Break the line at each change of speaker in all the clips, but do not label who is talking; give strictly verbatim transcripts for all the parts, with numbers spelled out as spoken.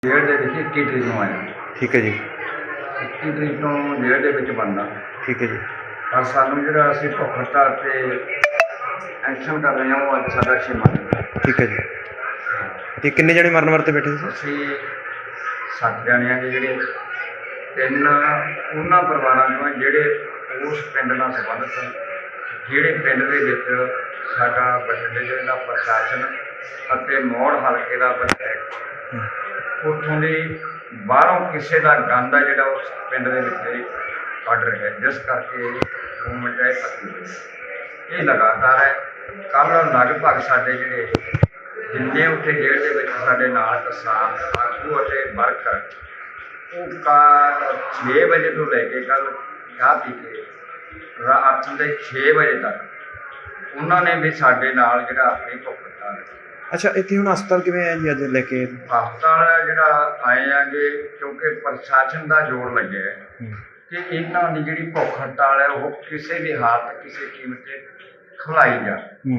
ਜੇਲ੍ਹ ਦੇ ਵਿੱਚ ਇੱਕੀ ਤਰੀਕ ਨੂੰ ਆਇਆ।
ਠੀਕ ਹੈ ਜੀ।
ਇੱਕੀ ਤਰੀਕ ਨੂੰ ਜੇਲ੍ਹ ਦੇ ਵਿੱਚ ਬਣਨਾ।
ਠੀਕ ਹੈ ਜੀ।
ਪਰ ਸਾਨੂੰ ਜਿਹੜਾ ਅਸੀਂ ਭੁੱਖ ਹੜਤਾਲ 'ਤੇ ਐਕਸ਼ਨ ਕਰ ਰਹੇ ਹਾਂ ਉਹ ਅੱਜ ਸਾਡਾ ਛੇਵਾਂ ਦਿਨ ਹੈ।
ਠੀਕ ਹੈ ਜੀ। ਤੇ ਕਿੰਨੇ ਜਣੇ ਮਰਨ ਵਰਤੇ ਬੈਠੇ ਸੀ?
ਅਸੀਂ ਸੱਤ ਜਣੇ ਹਾਂ ਜਿਹੜੇ ਤਿੰਨ ਉਹਨਾਂ ਪਰਿਵਾਰਾਂ ਤੋਂ ਹੈ ਜਿਹੜੇ ਉਸ ਪਿੰਡ ਨਾਲ ਸੰਬੰਧਿਤ ਹਨ, ਜਿਹੜੇ ਪਿੰਡ ਦੇ ਵਿੱਚ ਸਾਡਾ ਬਠਿੰਡੇ ਜ਼ਿਲ੍ਹੇ ਦਾ ਪ੍ਰਸ਼ਾਸਨ ਅਤੇ ਮੌੜ ਹਲਕੇ ਦਾ ਵਿਧਾਇਕ ਉੱਥੋਂ ਦੀ ਬਾਹਰੋਂ ਕਿਸੇ ਦਾ ਗੰਦ ਹੈ ਜਿਹੜਾ ਉਸ ਪਿੰਡ ਦੇ ਵਿੱਚ ਕੱਢ ਰਿਹਾ, ਜਿਸ ਕਰਕੇ ਮੂਵਮੈਂਟ ਹੈ ਪੱਕੀ ਇਹ ਲਗਾਤਾਰ ਹੈ। ਕੱਲ੍ਹ ਲਗਭਗ ਸਾਡੇ ਜਿਹੜੇ ਜਿੰਨੇ ਉੱਥੇ ਜੇਲ੍ਹ ਦੇ ਵਿੱਚ ਸਾਡੇ ਨਾਲ ਕਿਸਾਨ ਆਗੂ ਅਤੇ ਵਰਕਰ ਉਹ ਕਾ ਛੇ ਵਜੇ ਤੋਂ ਲੈ ਕੇ ਕੱਲ੍ਹ ਚਾਹ ਪੀ ਕੇ ਰਾਤ ਦੇ ਛੇ ਵਜੇ ਤੱਕ ਉਹਨਾਂ ਨੇ ਵੀ ਸਾਡੇ ਨਾਲ ਜਿਹੜਾ ਆਪਣੀ ਭੁੱਖ ਹੜਤਾਲ
ਅੱਛਾ, ਇੱਥੇ ਹੁਣ ਹਸਪਤਾਲ ਕਿਵੇਂ ਹੈ ਜੀ ਅੱਜ ਲੈ ਕੇ?
ਹਸਪਤਾਲ ਜਿਹੜਾ ਆਏ ਆਗੇ ਕਿਉਂਕਿ ਪ੍ਰਸ਼ਾਸਨ ਦਾ ਜ਼ੋਰ ਲੱਗਿਆ ਹੈ ਕਿ ਇਹਨਾਂ ਦੀ ਜਿਹੜੀ ਭੁੱਖ ਹੜਤਾਲ ਹੈ ਉਹ ਕਿਸੇ ਵੀ ਹਾਲਤ ਕਿਸੇ ਕੀਮਤ 'ਤੇ ਖੁਲਾਈ ਜਾ।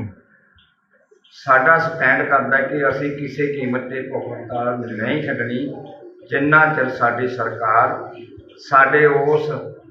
ਸਾਡਾ ਸਟੈਂਡ ਕਰਦਾ ਕਿ ਅਸੀਂ ਕਿਸੇ ਕੀਮਤ 'ਤੇ ਭੁੱਖ ਹੜਤਾਲ ਨਹੀਂ ਛੱਡਣੀ ਜਿੰਨਾ ਚਿਰ ਸਾਡੀ ਸਰਕਾਰ ਸਾਡੇ ਉਸ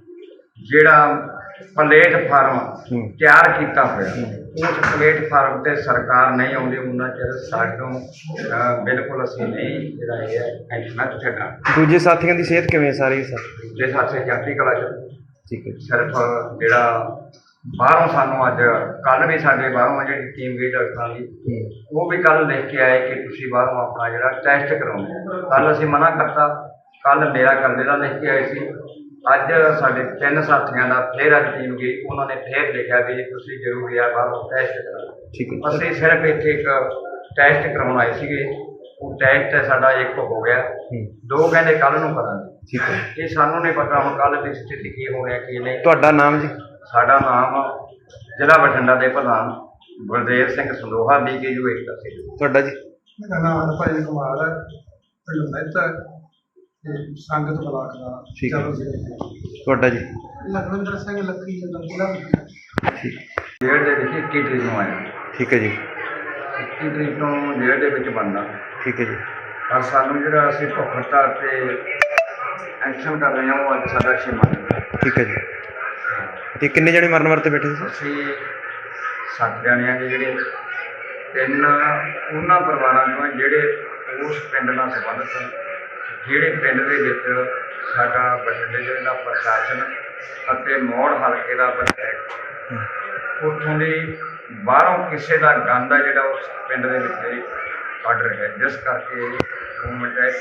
ਜਿਹੜਾ ਪਲੇਟਫਾਰਮ ਤਿਆਰ ਕੀਤਾ ਹੋਇਆ ਉਸ ਪਲੇਟਫਾਰਮ 'ਤੇ ਸਰਕਾਰ ਨਹੀਂ ਆਉਂਦੀ ਉਹਨਾਂ ਚਿਰ ਸਾਨੂੰ ਬਿਲਕੁਲ ਅਸੀਂ ਨਹੀਂ ਜਿਹੜਾ ਇਹ ਐਕਸ਼ਨ ਛੱਡਾਂ।
ਦੂਜੇ ਸਾਥੀਆਂ ਦੀ ਸਿਹਤ ਕਿਵੇਂ ਸਾਰੇ ਸਰ?
ਜੇ ਸਾਡੇ ਚੜ੍ਹਦੀ ਕਲਾ 'ਚ
ਠੀਕ ਹੈ।
ਸਿਰਫ ਜਿਹੜਾ ਬਾਹਰੋਂ ਸਾਨੂੰ ਅੱਜ ਕੱਲ੍ਹ ਵੀ ਸਾਡੇ ਬਾਹਰੋਂ ਜਿਹੜੀ ਟੀਮ ਗਈ ਡਾਕਟਰਾਂ ਦੀ ਉਹ ਵੀ ਕੱਲ੍ਹ ਲਿਖ ਕੇ ਆਏ ਕਿ ਤੁਸੀਂ ਬਾਹਰੋਂ ਆਪਣਾ ਜਿਹੜਾ ਟੈਸਟ ਕਰਾਉਣਾ। ਕੱਲ੍ਹ ਅਸੀਂ ਮਨਾ ਕਰਤਾ, ਕੱਲ੍ਹ ਮੇਰਾ ਇਕੱਲੇ ਦਾ ਲਿਖ ਕੇ ਆਏ ਸੀ। ਅੱਜ ਸਾਡੇ ਤਿੰਨ ਸਾਥੀਆਂ ਦਾ ਫਿਰ ਅੱਜ ਟੀਮ ਗਈ, ਉਹਨਾਂ ਨੇ ਫਿਰ ਲਿਖਿਆ ਵੀ ਤੁਸੀਂ ਜ਼ਰੂਰੀ ਆ ਬਾਹਰੋਂ ਟੈਸਟ ਕਰਾਉਣਾ।
ਠੀਕ ਹੈ।
ਅਸੀਂ ਸਿਰਫ ਇੱਥੇ ਇੱਕ ਟੈਸਟ ਕਰਾਉਣ ਆਏ ਸੀਗੇ, ਉਹ ਟੈਸਟ ਸਾਡਾ ਇੱਕ ਹੋ ਗਿਆ, ਦੋ ਕਹਿੰਦੇ ਕੱਲ੍ਹ ਨੂੰ ਕਰਾਂਗੇ।
ਠੀਕ ਹੈ।
ਇਹ ਸਾਨੂੰ ਨਹੀਂ ਪਤਾ ਹੁਣ ਕੱਲ੍ਹ ਦੀ ਸਥਿਤੀ ਕੀ ਹੋ ਰਿਹਾ ਕੀ ਨਹੀਂ।
ਤੁਹਾਡਾ ਨਾਮ ਜੀ?
ਸਾਡਾ ਨਾਮ ਜ਼ਿਲ੍ਹਾ ਬਠਿੰਡਾ ਦੇ ਪ੍ਰਧਾਨ Gurdev Singh Sandoha B K U Ekta ਸੀ।
ਤੁਹਾਡਾ ਜੀ?
ਮੇਰਾ ਨਾਮ ਹਰਭਜਨ ਕੁਮਾਰ ਹੈ, ਪਿੰਡ ਮਹਿਤਾ ਤੇ ਸੰਗਤ ਬਲਾਕ ਦਾ।
ਠੀਕ ਹੈ।
ਚਲੋ ਜੀ।
ਤੁਹਾਡਾ ਜੀ?
ਲਖਵਿੰਦਰ ਸਿੰਘ ਲੱਖੀ ਜ਼ਿਲ੍ਹਾ।
ਠੀਕ।
ਜੇਲ੍ਹ ਦੇ ਵਿੱਚ ਇੱਕੀ ਤਰੀਕ ਨੂੰ ਆਇਆ।
ਠੀਕ ਹੈ ਜੀ।
ਇੱਕੀ ਤਰੀਕ ਨੂੰ ਜੇਲ੍ਹ ਦੇ ਵਿੱਚ ਬਣਨਾ।
ਠੀਕ ਹੈ ਜੀ।
ਪਰ ਸਾਨੂੰ ਜਿਹੜਾ ਅਸੀਂ ਭੁੱਖ ਹੜਤਾਲ 'ਤੇ ਐਕਸ਼ਨ ਕਰ ਰਹੇ ਹਾਂ ਉਹ ਅੱਜ ਸਾਡਾ ਛੇਵਾਂ ਦਿਨ ਹੈ।
ਠੀਕ ਹੈ ਜੀ। ਤੇ ਕਿੰਨੇ ਜਣੇ ਮਰਨ ਵਰਤੇ ਬੈਠੇ ਸੀ?
ਅਸੀਂ ਸੱਤ ਜਣੇ ਹਾਂ ਜਿਹੜੇ ਤਿੰਨ ਉਹਨਾਂ ਪਰਿਵਾਰਾਂ ਤੋਂ ਹੈ ਜਿਹੜੇ ਉਸ ਪਿੰਡ ਨਾਲ ਸੰਬੰਧਿਤ ਹਨ, ਜਿਹੜੇ ਪਿੰਡ ਦੇ ਵਿੱਚ ਸਾਡਾ ਬਠਿੰਡੇ ਜ਼ਿਲ੍ਹੇ ਦਾ ਪ੍ਰਸ਼ਾਸਨ ਅਤੇ ਮੌੜ ਹਲਕੇ ਦਾ ਵਿਧਾਇਕ ਉੱਥੋਂ ਦੀ ਬਾਹਰੋਂ ਕਿਸੇ ਦਾ ਗੰਦ ਹੈ ਜਿਹੜਾ ਉਸ ਪਿੰਡ ਦੇ ਵਿੱਚ ਕੱਢ ਰਿਹਾ, ਜਿਸ ਕਰਕੇ ਮੂਵਮੈਂਟ ਹੈ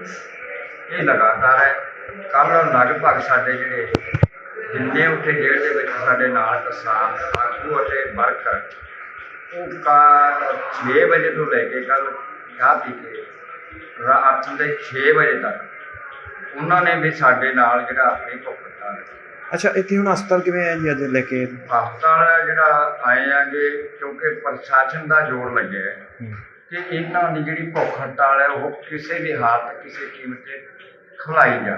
ਪੱਕੀ ਇਹ ਲਗਾਤਾਰ ਹੈ। ਕੱਲ੍ਹ ਲਗਭਗ ਸਾਡੇ ਜਿਹੜੇ ਜਿੰਨੇ ਉੱਥੇ ਜੇਲ੍ਹ ਦੇ ਵਿੱਚ ਸਾਡੇ ਨਾਲ ਕਿਸਾਨ ਆਗੂ ਅਤੇ ਵਰਕਰ ਉਹ ਕਾ ਛੇ ਵਜੇ ਤੋਂ ਲੈ ਕੇ ਕੱਲ੍ਹ ਚਾਹ ਪੀ ਕੇ ਰਾਤ ਦੇ ਛੇ ਵਜੇ ਤੱਕ ਉਹਨਾਂ ਨੇ ਵੀ ਸਾਡੇ ਨਾਲ ਜਿਹੜਾ ਆਪਣੀ ਭੁੱਖ ਹੜਤਾਲ।
ਅੱਛਾ, ਇੱਥੇ ਹੁਣ ਹਸਪਤਾਲ ਕਿਵੇਂ ਹੈ ਜੀ ਅੱਜ ਲੈ ਕੇ?
ਹਸਪਤਾਲ ਜਿਹੜਾ ਆਏ ਆਗੇ ਕਿਉਂਕਿ ਪ੍ਰਸ਼ਾਸਨ ਦਾ ਜ਼ੋਰ ਲੱਗਿਆ ਹੈ ਕਿ ਇਹਨਾਂ ਦੀ ਜਿਹੜੀ ਭੁੱਖ ਹੜਤਾਲ ਹੈ ਉਹ ਕਿਸੇ ਵੀ ਹਾਲਤ ਕਿਸੇ ਕੀਮਤ 'ਤੇ ਖੁਲਾਈ ਜਾ।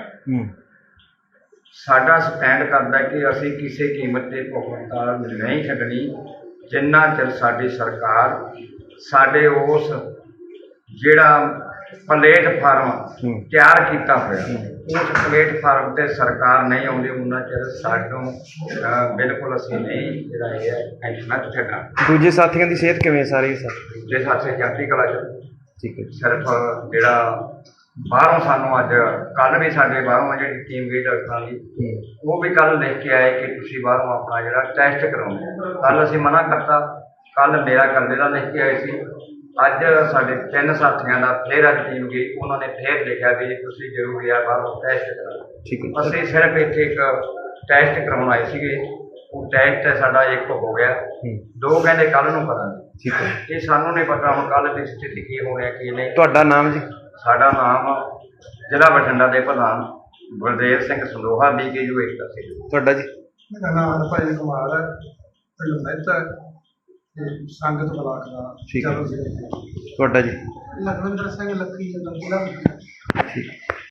ਸਾਡਾ ਸਟੈਂਡ ਕਰਦਾ ਕਿ ਅਸੀਂ ਕਿਸੇ ਕੀਮਤ 'ਤੇ ਭੁੱਖ ਹੜਤਾਲ ਨਹੀਂ ਛੱਡਣੀ ਜਿੰਨਾ ਚਿਰ ਸਾਡੀ ਸਰਕਾਰ ਸਾਡੇ ਉਸ ਜਿਹੜਾ ਪਲੇਟਫਾਰਮ ਤਿਆਰ ਕੀਤਾ ਹੋਇਆ ਉਸ ਪਲੇਟਫਾਰਮ 'ਤੇ ਸਰਕਾਰ ਨਹੀਂ ਆਉਂਦੀ ਉਹਨਾਂ ਚਿਰ ਸਾਨੂੰ ਬਿਲਕੁਲ ਅਸੀਂ ਨਹੀਂ ਜਿਹੜਾ ਇਹ ਐਕਸ਼ਨ ਛੱਡਾਂ।
ਦੂਜੇ ਸਾਥੀਆਂ ਦੀ ਸਿਹਤ ਕਿਵੇਂ ਸਾਰੇ ਸਰ?
ਜੇ ਸਾਡੇ ਚੜ੍ਹਦੀ ਕਲਾ 'ਚ
ਠੀਕ ਹੈ।
ਸਿਰਫ ਜਿਹੜਾ ਬਾਹਰੋਂ ਸਾਨੂੰ ਅੱਜ ਕੱਲ੍ਹ ਵੀ ਸਾਡੇ ਬਾਹਰੋਂ ਜਿਹੜੀ ਟੀਮ ਗਈ ਡਾਕਟਰਾਂ ਦੀ ਉਹ ਵੀ ਕੱਲ੍ਹ ਲਿਖ ਕੇ ਆਏ ਕਿ ਤੁਸੀਂ ਬਾਹਰੋਂ ਆਪਣਾ ਜਿਹੜਾ ਟੈਸਟ ਕਰਾਉਣਾ। ਕੱਲ੍ਹ ਅਸੀਂ ਮਨਾ ਕਰਤਾ, ਕੱਲ੍ਹ ਮੇਰਾ ਇਕੱਲੇ ਦਾ ਲਿਖ ਕੇ ਆਏ ਸੀ। ਅੱਜ ਸਾਡੇ ਤਿੰਨ ਸਾਥੀਆਂ ਦਾ ਫਿਰ ਅੱਜ ਟੀਮ ਗਈ, ਉਹਨਾਂ ਨੇ ਫਿਰ ਲਿਖਿਆ ਵੀ ਤੁਸੀਂ ਜ਼ਰੂਰੀ ਆ ਬਾਹਰੋਂ ਟੈਸਟ ਕਰਾਉਣਾ।
ਠੀਕ ਹੈ।
ਅਸੀਂ ਸਿਰਫ ਇੱਥੇ ਇੱਕ ਟੈਸਟ ਕਰਾਉਣ ਆਏ ਸੀਗੇ, ਉਹ ਟੈਸਟ ਸਾਡਾ ਇੱਕ ਹੋ ਗਿਆ, ਦੋ ਕਹਿੰਦੇ ਕੱਲ੍ਹ ਨੂੰ ਕਰਾਂਗੇ।
ਠੀਕ ਹੈ।
ਇਹ ਸਾਨੂੰ ਨਹੀਂ ਪਤਾ ਹੁਣ ਕੱਲ੍ਹ ਦੀ ਸਥਿਤੀ ਕੀ ਹੋ ਰਿਹਾ ਕੀ ਨਹੀਂ।
ਤੁਹਾਡਾ ਨਾਮ ਜੀ?
ਸਾਡਾ ਨਾਮ ਜ਼ਿਲ੍ਹਾ ਬਠਿੰਡਾ ਦੇ ਪ੍ਰਧਾਨ Gurdev Singh Sandoha B K U Ekta ਸੀ।
ਤੁਹਾਡਾ ਜੀ?
ਮੇਰਾ ਨਾਮ ਹਰਭਜਨ ਕੁਮਾਰ ਹੈ, ਪਿੰਡ ਮਹਿਤਾ ਤੇ ਸੰਗਤ ਬਲਾਕ ਦਾ।
ਠੀਕ ਹੈ।
ਚਲੋ ਜੀ।
ਤੁਹਾਡਾ ਜੀ?
ਲਖਵਿੰਦਰ ਸਿੰਘ ਲੱਖੀ ਜ਼ਿਲ੍ਹਾ।
ਠੀਕ।